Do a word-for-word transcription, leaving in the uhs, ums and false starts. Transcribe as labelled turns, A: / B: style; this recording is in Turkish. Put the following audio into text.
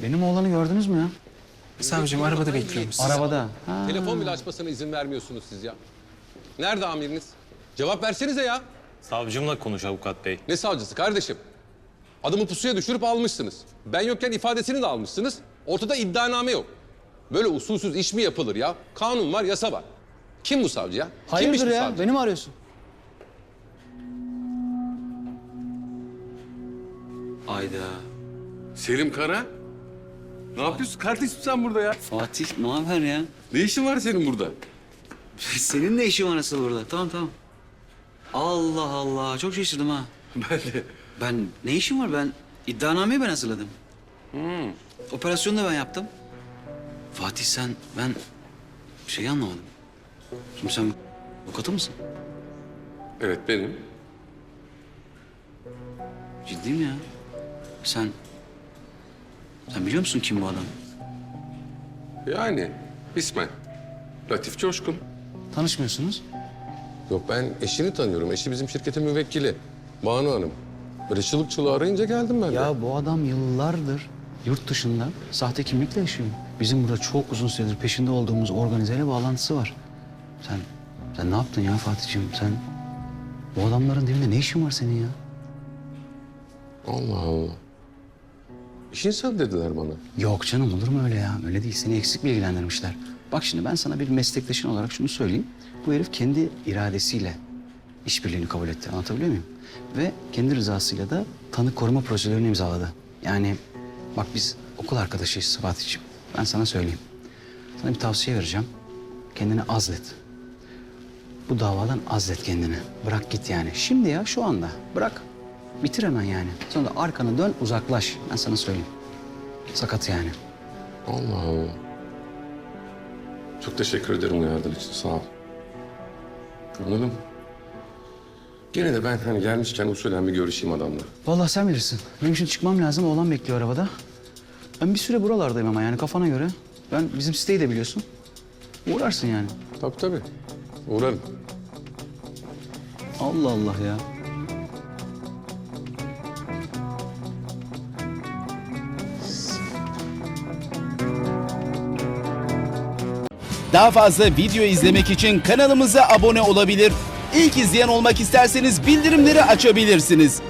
A: Benim oğlanı gördünüz mü ya?
B: Savcım arabada bekliyormuş.
A: Arabada. Ha.
C: Telefon bile açmasına izin vermiyorsunuz siz ya. Nerede amiriniz? Cevap versenize ya.
D: Savcımla konuş avukat bey.
C: Ne savcısı kardeşim? Adımı pusuya düşürüp almışsınız. Ben yokken ifadesini de almışsınız. Ortada iddianame yok. Böyle usulsüz iş mi yapılır ya? Kanun var, yasa var. Kim bu savcı ya? Kimmiş
A: Hayırdır
C: bu
A: ya?
C: savcı?
A: Beni mi arıyorsun? Ayda.
C: Selim Kara. Ne yapıyorsun kardeşim sen burada ya?
A: Fatih ne haber ya?
C: Ne işin var senin burada?
A: Senin ne işin var asıl burada? Tamam tamam. Allah Allah çok şaşırdım ha.
C: Ben de.
A: Ben ne işim var ben iddianameyi ben hazırladım. Hmm. Operasyonu da ben yaptım. Fatih sen ben şeyi anlamadım. Şimdi sen avukatı mısın?
C: Evet benim.
A: Ciddiyim ya. Sen sen biliyor musun kim bu adam?
C: Yani ismen. Latif Coşkun.
A: Tanışmıyorsunuz.
C: Yok ben eşini tanıyorum. Eşi bizim şirketin müvekkili. Banu Hanım. Böyle çılık çılığı arayınca geldim ben de.
A: Ya bu adam yıllardır yurt dışında sahte kimlikle yaşıyor. Bizim burada çok uzun süredir peşinde olduğumuz organizeyle bağlantısı var. Sen sen ne yaptın ya Fatih'ciğim? Sen bu adamların dibinde ne işin var senin ya?
C: Allah Allah. İş insanı dediler bana.
A: Yok canım olur mu öyle ya? Öyle değil. Seni eksik bilgilendirmişler. Bak şimdi ben sana bir meslektaşın olarak şunu söyleyeyim. Bu herif kendi iradesiyle işbirliğini kabul etti. Anlatabiliyor muyum? Ve kendi rızasıyla da tanık koruma prosedürünü imzaladı. Yani bak biz okul arkadaşıyız Fatih'ciğim. Ben sana söyleyeyim. Sana bir tavsiye vereceğim. Kendini azlet. Bu davadan azlet kendini. Bırak git yani. Şimdi ya şu anda. Bırak. Bitir hemen yani. Sonra da arkanı dön uzaklaş. Ben sana söyleyeyim. Sakat yani.
C: Allah Allah. Çok teşekkür ederim uyardığın için. Sağ ol. Anladım. Gene de ben hani gelmişken usulen bir görüşeyim adamla.
A: Vallahi sen bilirsin. Benim şimdi çıkmam lazım. Oğlan bekliyor arabada. Ben bir süre buralardayım ama yani kafana göre. Ben bizim siteyi de biliyorsun. Uğrarsın yani.
C: Tabii tabii. Uğrarım.
A: Allah Allah ya.
E: Daha fazla video izlemek için kanalımıza abone olabilir. İlk izleyen olmak isterseniz bildirimleri açabilirsiniz.